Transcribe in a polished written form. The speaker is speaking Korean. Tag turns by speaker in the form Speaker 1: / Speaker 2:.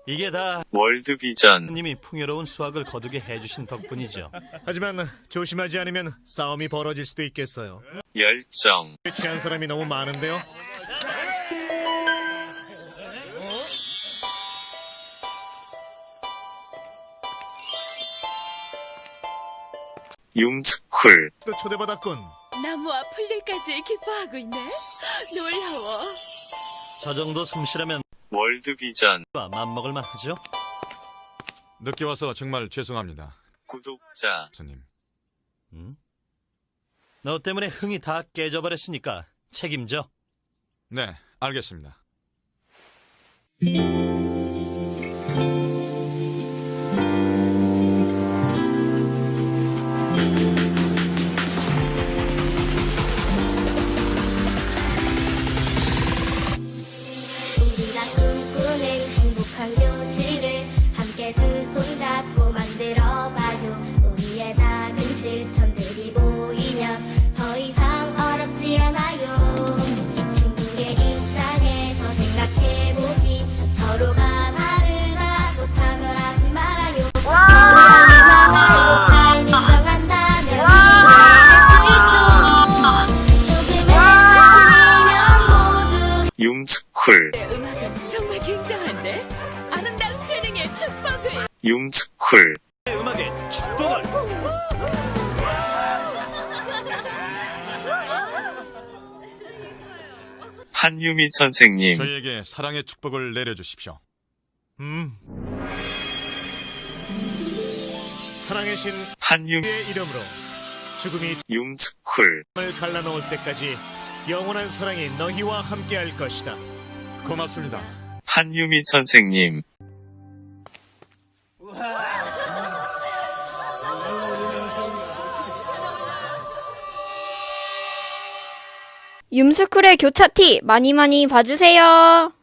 Speaker 1: 이게 다
Speaker 2: 월드비전.
Speaker 1: 님이 풍요로운 수확을 거두게 해주신 덕분이죠.
Speaker 3: 하지만 조심하지 않으면 싸움이 벌어질 수도 있겠어요.
Speaker 2: 열정.
Speaker 3: 취한 사람이 너무 많은데요.
Speaker 2: 융스쿨.
Speaker 3: 또 초대받았군.
Speaker 4: 나무와 풀들까지 기뻐하고 있네. 놀라워.
Speaker 1: 저 정도 솜씨라면
Speaker 2: 월드비전.
Speaker 1: 맘먹을만 하죠?
Speaker 5: 늦게 와서 정말 죄송합니다,
Speaker 2: 구독자.
Speaker 5: 스님.
Speaker 1: 너 때문에 흥이 다 깨져버렸으니까 책임져.
Speaker 5: 네, 알겠습니다.
Speaker 6: 우리가 꿈꾸는 행복한 교실을 함께 두 손 잡고 만들어봐요. 우리의 작은 실천들이 보이면 더 이상 어렵지 않아요. 친구의 입장에서 생각해보기, 서로가 다르다고 차별하지 말아요. 서로의 마음을 잘 인정한다면 이해할 수 있죠. 조금의 관심이면 모두
Speaker 2: 융스쿨.
Speaker 4: 내 음악은 정말 굉장한데? 아름다운 재능의 축복을.
Speaker 2: 융스쿨.
Speaker 1: 음악의 축복을.
Speaker 2: 한유미 선생님.
Speaker 5: 저희에게 사랑의 축복을 내려주십시오.
Speaker 3: 사랑의 신
Speaker 2: 한유미.
Speaker 3: 의 이름으로 죽음이
Speaker 2: 융스쿨.
Speaker 3: 을 갈라놓을 때까지 영원한 사랑이 너희와 함께할 것이다.
Speaker 5: 고맙습니다.
Speaker 2: 한유미 선생님.
Speaker 7: 윰스쿨의 교차티 많이 많이 봐주세요.